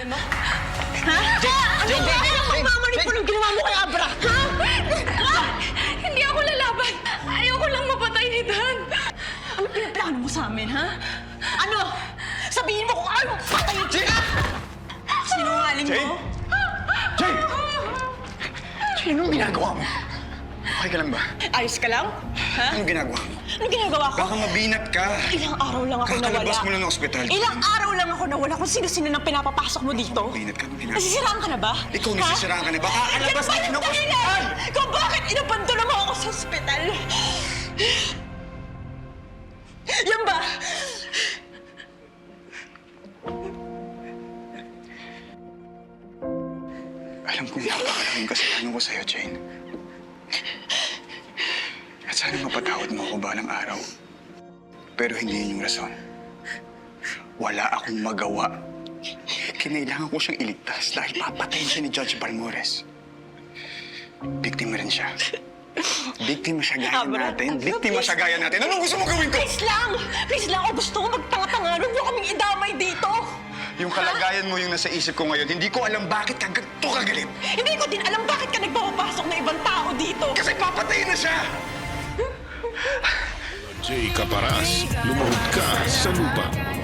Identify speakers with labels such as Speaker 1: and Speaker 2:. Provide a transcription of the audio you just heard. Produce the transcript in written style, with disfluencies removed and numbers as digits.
Speaker 1: mo? Ha? Ano magmamanipul ang ginawa mo kay Abra? Ha?
Speaker 2: Hindi ako lalaban. Ayoko lang mapatay ni Dan.
Speaker 1: Ano pinaplano mo sa amin, ha? Ano? Sabihin mo kung ano patayin ka! Sinungaling mo?
Speaker 3: Jane! Jane, anong ginagawa mo? Okay ka lang ba?
Speaker 1: Ayos ka lang? Ha?
Speaker 3: Anong ginagawa mo?
Speaker 1: Anong ginagawa ko?
Speaker 3: Baka mabinat ka.
Speaker 1: Ilang araw lang ako nawala.
Speaker 3: Kakalabas mo lang ng ospital.
Speaker 1: Ilang araw lang ako nawala kung sino-sino nang pinapapasok mo dito.
Speaker 3: Mabinat ka, anong ginagawa?
Speaker 1: Nasisiraan ka na ba?
Speaker 3: Ikaw nasisiraan ka na ba? Kakalabas
Speaker 1: Yan ba
Speaker 3: na
Speaker 1: yung
Speaker 3: ng
Speaker 1: dahilan?
Speaker 3: ospital!
Speaker 1: Kung bakit inabandona mo ako sa ospital? Yan ba?
Speaker 3: Alam kong napakalaking kasalanan ko sa'yo, Jane. At sana mapatawad mo ako balang araw. Pero hindi yun yung rason. Wala akong magawa. Kinailangan ko siyang iligtas dahil papatayin siya ni Judge Balmores. Biktima rin siya. Biktima siya gaya natin. Biktima siya gaya natin. Anong gusto mo gawin ko?
Speaker 1: Please lang! Please lang! O gusto ko magtanga-tanga. Huwag mo kaming idamay dito!
Speaker 3: Yung kalagayan mo yung nasa isip ko ngayon, hindi ko alam bakit ka ganito kagalit.
Speaker 1: Hindi ko din alam bakit ka nagpapapasok na ibang tao dito.
Speaker 3: Kasi papatayin na siya!
Speaker 4: Jay Caparas, lumuhod ka sa lupa.